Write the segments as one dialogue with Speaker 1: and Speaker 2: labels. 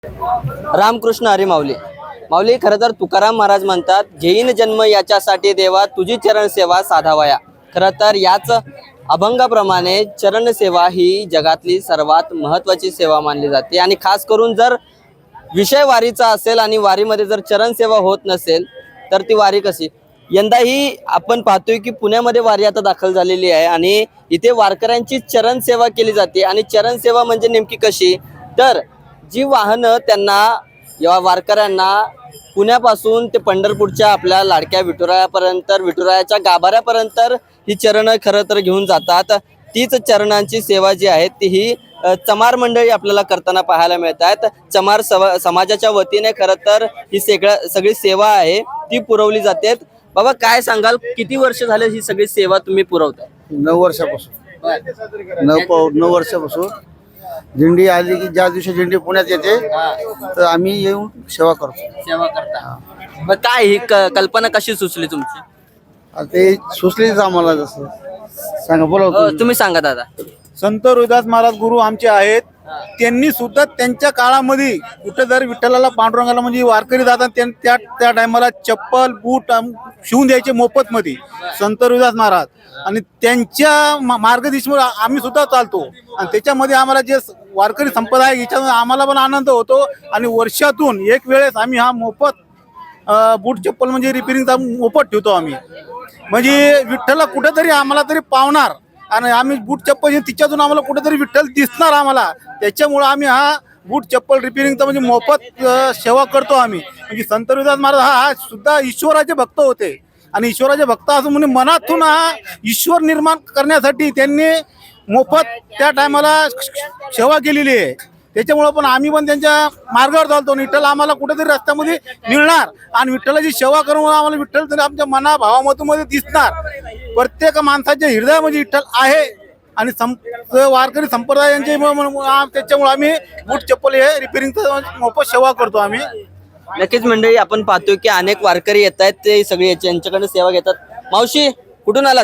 Speaker 1: रामकृष्ण हरी माऊली. माऊली, खरं तर तुकाराम महाराज म्हणतात, घेईन जन्म याच्यासाठी देवा, तुझी चरण सेवा साधावया. खरं तर याच अभंगाप्रमाणे चरण सेवा ही जगातली सर्वात महत्वाची सेवा मानली जाते. आणि खास करून जर विषय वारीचा असेल आणि वारीमध्ये जर चरण सेवा होत नसेल तर ती वारी कशी. यंदाही आपण पाहतोय की पुण्यामध्ये वारी आता दाखल झालेली आहे आणि इथे वारकऱ्यांची चरण सेवा केली जाते. आणि चरण सेवा म्हणजे नेमकी कशी, तर जी वाहनं त्यांना या वारकऱ्यांना पुण्यापासून ते पंढरपूरच्या आपल्या लाडक्या विठुरायापर्यंत, विठुरायाच्या गाभाऱ्यापर्यंत ही चरणं खरं तर घेऊन जातात. तीच चरणांची सेवा जी आहे ती ही चमार मंडळी आपल्याला करताना पाहायला मिळतात. चमार समाजाच्या वतीने खरं तर ही सगळी सेवा आहे ती पुरवली जाते. बाबा, काय सांगाल, किती वर्ष झाले ही सगळी सेवा तुम्ही पुरवताय?
Speaker 2: 9 वर्षापासून 9 वर्षापासून दिंडी आली की ज्या दिवशी दिंडी पुण्यात येते तर आम्ही येऊन सेवा करतो.
Speaker 1: सेवा करता. मग काय ही कल्पना कशी सुचली तुमची?
Speaker 2: आता ते सुचलीच आम्हाला. जसं सांगा, बोला
Speaker 1: तुम्ही सांगा दादा.
Speaker 3: संत रोहिदास महाराज गुरु आमचे आहेत. त्यांनी सुद्धा त्यांच्या काळामध्ये कुठे जर विठ्ठलाला पांडुरंगाला म्हणजे वारकरी जातात त्या टायमाला चप्पल बूट शिवून द्यायचे मोफत मध्ये संत रोहिदास महाराज. आणि त्यांच्या मार्गदर्शनावर आम्ही सुद्धा चालतो. आणि त्याच्यामध्ये आम्हाला जे वारकरी संपदा आहे याच्यामध्ये आम्हाला पण आनंद होतो. आणि वर्षातून एक वेळेस आम्ही हा मोफत बूट चप्पल म्हणजे रिपेरिंगचा मोफत ठेवतो आम्ही. म्हणजे विठ्ठलला कुठेतरी आम्हाला तरी पावणार आणि आम्ही बूट चप्पल तिच्यातून आम्हाला कुठेतरी विठ्ठल दिसणार आम्हाला. त्याच्यामुळे आम्ही हा बूट चप्पल रिपेरिंगचा म्हणजे मोफत सेवा करतो आम्ही. म्हणजे संत रोहिदास महाराज हा सुद्धा ईश्वराचे भक्त होते. आणि ईश्वराचे भक्त असं म्हणजे मनातून हा ईश्वर निर्माण करण्यासाठी त्यांनी मोफत त्या टायमाला सेवा केलेली आहे. त्याच्यामुळं पण आम्ही पण त्यांच्या मार्गावर चालतो. विठ्ठल आम्हाला कुठेतरी रस्त्यामध्ये मिळणार आणि विठ्ठलाची सेवा करून आम्हाला विठ्ठल तरी आमच्या मना भावामधून दिसणार. प्रत्येक माणसाच्या हृदयामध्ये विठ्ठल आहे. आणि वारकरी संप्रदायांचे त्याच्यामुळे आम्ही बूट चप्पल हे रिपेरिंगचा मोफत सेवा करतो आम्ही.
Speaker 1: नक्कीच मंडळी, आपण पाहतोय की अनेक वारकरी येत आहेत, ते सगळे यांच्याकडे सेवा घेतात. मावशी, कुठून आलात?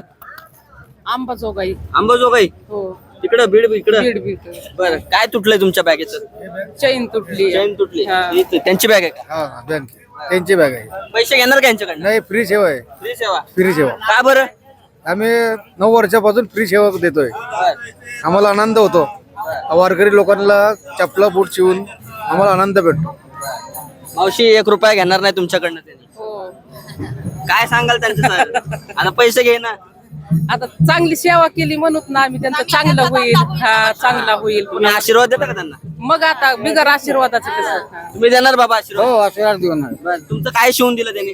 Speaker 4: अंबाजोगाई.
Speaker 1: अंबाजोगाई.
Speaker 4: हो,
Speaker 1: तिकडं बीड इकडं.
Speaker 4: बीड.
Speaker 1: बरं, काय तुटलंय तुमच्या बॅगेचं?
Speaker 4: चैन तुटली.
Speaker 1: चैन तुटली.
Speaker 4: हा.
Speaker 1: त्यांची बॅग आहे का?
Speaker 2: हा, बँक त्यांची बॅग आहे.
Speaker 1: पैसे घेणार का यांच्याकडनं?
Speaker 2: नाही, फ्री सेवा आहे.
Speaker 1: फ्री सेवा.
Speaker 2: फ्री सेवा
Speaker 1: का बरं?
Speaker 2: आम्ही 9 वर्षापासून फ्री सेवा देतोय.
Speaker 1: बरं.
Speaker 2: आम्हाला आनंद होतो. वारकरी लोकांना चपला बूट शिवून आम्हाला आनंद भेटतो.
Speaker 1: मावशी, 1 रुपया घेणार नाही तुमच्याकडनं त्यांनी?
Speaker 4: हो,
Speaker 1: काय सांगाल त्यांचं? आता पैसे घे ना.
Speaker 4: आता चांगली सेवा केली म्हणून ना आम्ही त्यांचं चांगलं होईल. हा, चांगला होईल.
Speaker 1: तुम्ही आशीर्वाद देता का त्यांना?
Speaker 4: मग आता बिगर आशीर्वादाचं कसं?
Speaker 1: तुम्ही देणार बाबा आशीर्वाद?
Speaker 2: हो, आशीर्वाद देऊन
Speaker 1: बरं, तुमचं काय शिवून दिलं त्यांनी?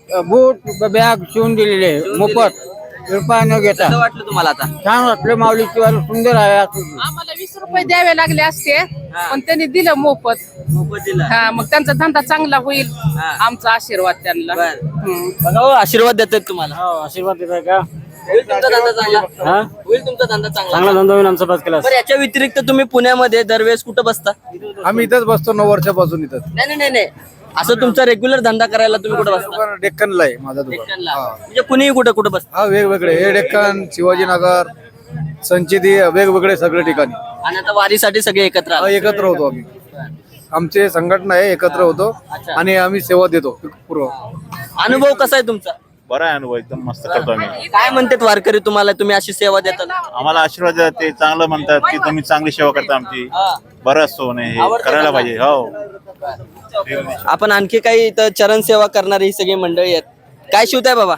Speaker 2: बूट बॅग शिवून दिलेले मोफत, रुपया न घेता.
Speaker 1: कसं वाटलं तुम्हाला आता?
Speaker 2: छान वाटलं. माऊलीची वारी सुंदर आहे.
Speaker 4: आम्हाला 20 रुपये द्यावे लागले असते पण त्यांनी दिलं मोफत.
Speaker 1: मोफत दिलं.
Speaker 4: हा, मग त्यांचा धंदा चांगला होईल.
Speaker 1: हा.
Speaker 4: आमचा आशीर्वाद त्यांना.
Speaker 1: बरं.
Speaker 4: हम्म.
Speaker 1: बघा हो, आशीर्वाद देतात तुम्हाला.
Speaker 2: हो, आशीर्वाद देताय का?
Speaker 1: होईल तुमचा धंदा चांगला. होईल तुमचा धंदा चांगला.
Speaker 2: धंदा होईल आमचा पाच केला.
Speaker 1: बरं, याच्या व्यतिरिक्त तुम्ही पुण्यामध्ये दरवेळेस कुठं बसता?
Speaker 2: आम्ही इथंच बसतो 9 वर्षापासून इथंच.
Speaker 1: नाही, असं तुमचा रेग्युलर धंदा करायला तुम्ही कुठं बसता?
Speaker 2: डेक्कनला आहे माझा दुकान.
Speaker 1: डेक्कनला.
Speaker 2: हा.
Speaker 1: म्हणजे कुणीही कुठं बसता?
Speaker 2: हा, वेगवेगळे हे डेक्कन, शिवाजीनगर, संचिती, वेगवेगळे सगळे ठिकाणी
Speaker 1: आणि आता वारीसाठी सगळे एकत्र
Speaker 2: हा,
Speaker 1: आले.
Speaker 2: एकत्र होतो आम्ही. आमचे संघटना आहे, एकत्र होतो
Speaker 1: अच्छा.
Speaker 2: आणि आम्ही सेवा देतो पूर्व.
Speaker 1: अनुभव कसा आहे तुमचा?
Speaker 5: बरा आहे अनुभव, एकदम मस्त करतो आम्ही.
Speaker 1: काय म्हणतात वारकरी तुम्हाला, तुम्ही अशी सेवा देता?
Speaker 5: आम्हाला आशीर्वाद देतात, ते चांगलं म्हणतात की तुम्ही चांगली सेवा करता आमची.
Speaker 1: हा.
Speaker 5: बरं असतो नाही, हे
Speaker 1: आवडतं
Speaker 5: करायला
Speaker 1: मला.
Speaker 5: पाहिजे. हो,
Speaker 1: आपण आणखी काही इथं चरण सेवा करणारी ही सगळी मंडळी आहेत. काय शिवताय बाबा?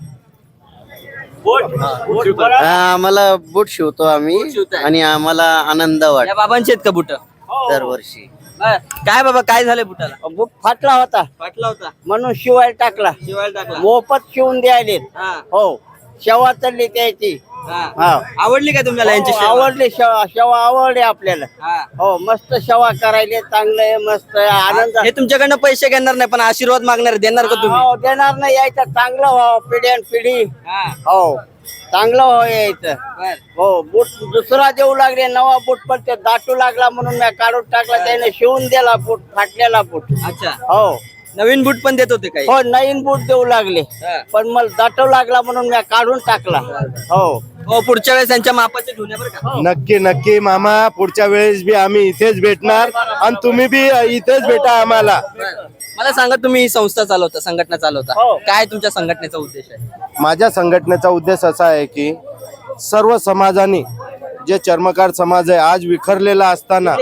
Speaker 6: आम्हाला बूट शिवतो आम्ही
Speaker 1: बूट शिवताय.
Speaker 6: आणि आम्हाला आनंद
Speaker 1: या
Speaker 6: वाटतो
Speaker 1: बाबांचे आहेत का बुट?
Speaker 6: दरवर्षी.
Speaker 1: काय बाबा, काय झालंय बुटाला?
Speaker 6: बूट फाटला होता
Speaker 1: फाटला होता,
Speaker 6: म्हणून शिवायला टाकला.
Speaker 1: शिवायला टाकला.
Speaker 6: मोफत शिवून द्यायले.
Speaker 1: हा.
Speaker 6: हो, शेवा चालली त्याची.
Speaker 1: हा.
Speaker 6: हा.
Speaker 1: आवडली काय तुम्हाला यांची
Speaker 6: हो,
Speaker 1: सेवा?
Speaker 6: आवडली शेवा आवडली आपल्याला.
Speaker 1: हा.
Speaker 6: हो, मस्त शेवा करायले, चांगलं आहे, मस्त आहे, आनंद.
Speaker 1: हे तुमच्याकडनं पैसे घेणार नाही पण आशीर्वाद मागणार, देणार का तुम्ही?
Speaker 6: हो, देणार नाही, यायचं चांगलं व्हावं, पिढ्यान पिढी.
Speaker 1: हा.
Speaker 6: हो, चांगलं व्हावं यायचं.
Speaker 1: बर.
Speaker 6: हो, बूट दुसरा देऊ लागले, नवा बूट, पण ते दाटू लागला म्हणून मी काढून टाकला. त्याने शिवून दिला बूट, फाटलेला बूट.
Speaker 1: अच्छा,
Speaker 6: हो
Speaker 1: नवीन बूट पण देत होते काही?
Speaker 6: हो, नवीन बूट देऊ लागले
Speaker 1: हा.
Speaker 6: पण मला दाटू लागला म्हणून मी काढून टाकला. हो,
Speaker 1: हो पुढच्या वेळेस यांच्या मापाचे घेऊन या बरं का.
Speaker 7: नक्की नक्की मामा, पुढच्या वेळेस बी आम्ही इथेच भेटणार आणि तुम्ही बी इथेच भेटा आम्हाला.
Speaker 1: मला सांगा, तुम्ही ही संस्था चालवता, संघटना चालवता, काय तुमच्या संघटनेचा उद्देश आहे?
Speaker 7: माझ्या संघटनेचा उद्देश असा आहे की सर्व समाजाने, जे चर्मकार समाज आहे आज विखरलेला असताना,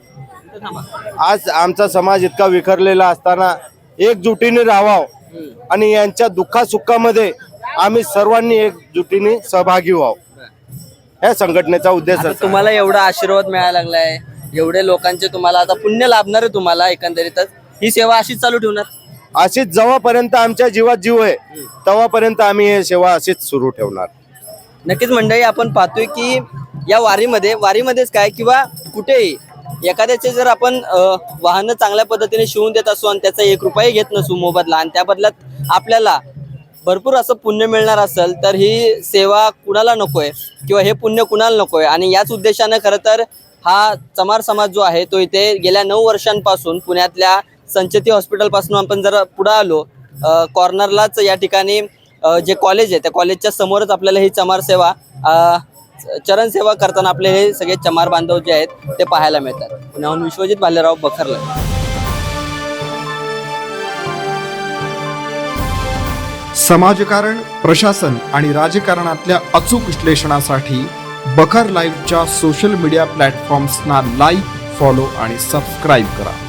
Speaker 7: आज आमचा समाज इतका विखरलेला असताना एकजुटीने राहावं आणि यांच्या दुःखासुखामध्ये आम्ही सर्वांनी एकजुटीने सहभागी व्हावं, या संघटनेचा उद्देश
Speaker 1: आता
Speaker 7: असा.
Speaker 1: तुम्हाला एवढा आशीर्वाद मिळायला लागलाय, एवढे लोकांचे तुम्हाला आता पुण्य लाभणार आहे तुम्हाला, एकंदरीतच ही सेवा अशीच चालू ठेवणार?
Speaker 7: अशीच जेव्हापर्यंत आमच्या जीवात जीव आहे तेव्हापर्यंत आम्ही हे सेवा अशीच सुरू ठेवणार.
Speaker 1: नक्कीच मंडळी, आपण पाहतोय की या वारीमध्येच काय किंवा कुठेही एखाद्याचे जर आपण वाहन चांगल्या पद्धतीने शिवून देत असू आणि त्याचा 1 रुपया घेत नसू मोबदला, आणि त्या बदल्यात आपल्याला भरपूर असं पुण्य मिळणार असेल, तर ही सेवा कुणाला नकोय किंवा हे पुण्य कुणाला नकोय. आणि याच उद्देशानं खरं तर हा चमार समाज जो आहे तो इथे गेल्या 9 वर्षांपासून पुण्यातल्या संचेती हॉस्पिटलपासून आपण जर पुढे आलो, कॉर्नरलाच या ठिकाणी जे कॉलेज आहे त्या कॉलेजच्या समोरच आपल्याला ही चमार सेवा, चरण सेवा करताना आपले हे सगळे चमार बांधव जे आहेत ते पाहायला मिळतात. पुण्याहून विश्वजित भालेराव, बखरला.
Speaker 8: समाजकारण, प्रशासन आणि राजकारणातल्या अचूक विश्लेषणासाठी बखर लाईव्हच्या सोशल मीडिया प्लॅटफॉर्म्सना लाईक, फॉलो आणि सबस्क्राईब करा.